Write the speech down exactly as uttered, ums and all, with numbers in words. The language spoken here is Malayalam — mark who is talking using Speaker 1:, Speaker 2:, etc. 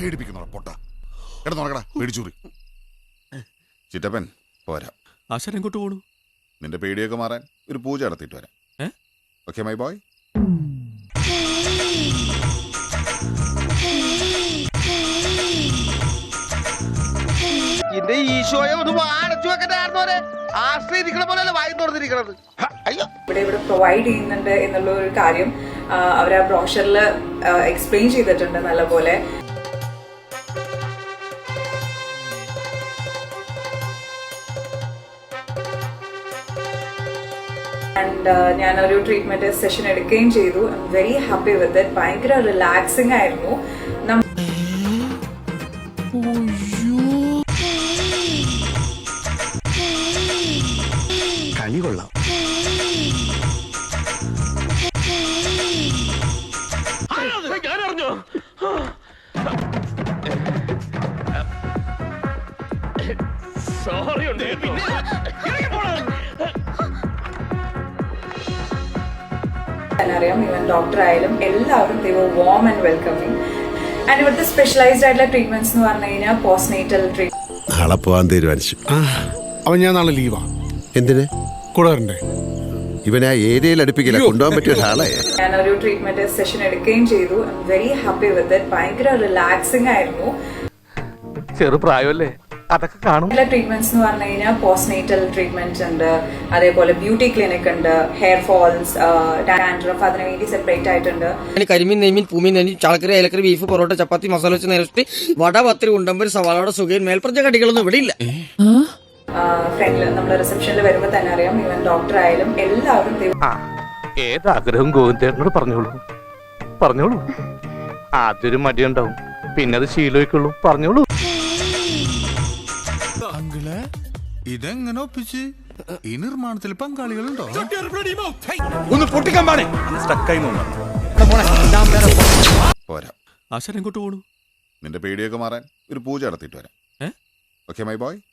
Speaker 1: പേടിപ്പിക്കുന്നോ പൊട്ട എടാ നോക്കടാ പേടിച്ചൂറി ചിറ്റപ്പൻ പോരാ.
Speaker 2: ആശാൻ എങ്ങോട്ട് പോണു?
Speaker 1: നിന്റെ പേടിയൊക്കെ മാറാൻ ഒരു പൂജ നടത്തിയിട്ട് വരാം. Okay my boy.
Speaker 3: എന്റെ ഈശോയെ ഒന്ന് വാടച്ചു വെക്കണ്ടായിരുന്നോരെ ആശ്രയിരിക്കണ പോലെയല്ല വായി തുറന്നിരിക്കണത്. അയ്യോ
Speaker 4: ഇവിടെ ഇവിടെ പ്രൊവൈഡ് ചെയ്യുന്നുണ്ട് എന്നുള്ള ഒരു കാര്യം അവർ ആ ബ്രോഷറിൽ എക്സ്പ്ലെയിൻ ചെയ്തിട്ടുണ്ട് നല്ലപോലെ. ആൻഡ് ഞാനൊരു ട്രീറ്റ്മെന്റ് സെഷൻ എടുക്കുകയും ചെയ്തു. I am very happy with it. ഭയങ്കര റിലാക്സിംഗ് ആയിരുന്നു.
Speaker 5: കളി കൊള്ളാം.
Speaker 4: അറിയാം ഈവൻ ഡോക്ടർ ആയാലും എല്ലാവരും they were warm and welcoming. And ഇവിടുത്തെ സ്പെഷ്യലൈസ്ഡ് ആയിട്ടുള്ള ട്രീറ്റ്മെന്റ്സ് എന്ന് പറഞ്ഞു കഴിഞ്ഞാൽ പോസ്റ്റ്നേറ്റൽ ട്രീറ്റ്മെന്റ്.
Speaker 5: നാളെ പോവാൻ തീരുമാനിച്ചു.
Speaker 6: അവൻ ഞാൻ നാളെ ലീവാ.
Speaker 5: എന്തിന്?
Speaker 6: കൂടെ വരണ്ടേ?
Speaker 5: ഇവനെ ആ ഏരിയയിൽ അടുപ്പിക്കില്ല, കൊണ്ടുപോകാൻ പറ്റിയ ഒരാളെ.
Speaker 4: ഞാനൊരു ട്രീറ്റ്മെന്റ് സെഷൻ എടുക്കുകയും ചെയ്തു. I am very happy with it. ഭയങ്കര റിലാക്സിംഗ് ആയിരുന്നു.
Speaker 3: ചെറുപ്രായമല്ലേ അതൊക്കെ കാണും.
Speaker 4: എല്ലാ ട്രീറ്റ്മെന്റ്സ് എന്ന് പറഞ്ഞു കഴിഞ്ഞാൽ പോസ്റ്റ്നേറ്റൽ ട്രീറ്റ്മെന്റ്സ് ഉണ്ട്, അതേപോലെ ബ്യൂട്ടി ക്ലിനിക് ഉണ്ട്, ഹെയർ ഫോൾസ്, ഡാൻഡ്രഫ്, അതിന് വേണ്ടി സെപ്പറേറ്റ് ആയിട്ടുണ്ട്.
Speaker 7: കരിമീൻ നെയ്മീൻ പൂമീൻ നെയ്മീൻ ചാളക്കറി അയലക്കറി ബീഫ് പൊറോട്ട ചപ്പാത്തി മസാല വെച്ച് നേരത്തെ വട പത്തിരി ഉണ്ടമ്പര് സവാളയുടെ സുഖയും മേൽപ്പറഞ്ഞ കടികളൊന്നും ഇവിടെ ഇല്ല.
Speaker 4: ഫ്രണ്ടിൽ നമ്മൾ റിസപ്ഷനിൽ വരുമ്പോൾ തന്നെ അറിയാം ഈവൻ ഡോക്ടർ ആയാലും എല്ലാവരും
Speaker 3: ഏതാഗ്രഹം ഗോവിന്ദേട്ടനോട് പറഞ്ഞോളൂ പറഞ്ഞോളൂ. ആദ്യൊരു മടിയുണ്ടാവും, പിന്നെ അത് ശീലമായിക്കുള്ളൂ. പറഞ്ഞോളൂ.
Speaker 6: അങ്കിളെ ഇതെങ്ങനെ ഒപ്പിച്ച്? ഈ നിർമ്മാണത്തിൽ പങ്കാളികളുണ്ടോ?
Speaker 2: ഒന്ന് പൊട്ടിക്കാൻ പാടേ.
Speaker 1: പോരാ.
Speaker 2: ആശാൻ എങ്ങോട്ട് പോണു?
Speaker 1: നിന്റെ പേടിയൊക്കെ മാറാൻ ഒരു പൂജ നടത്തിയിട്ട് വരാം. Okay my boy.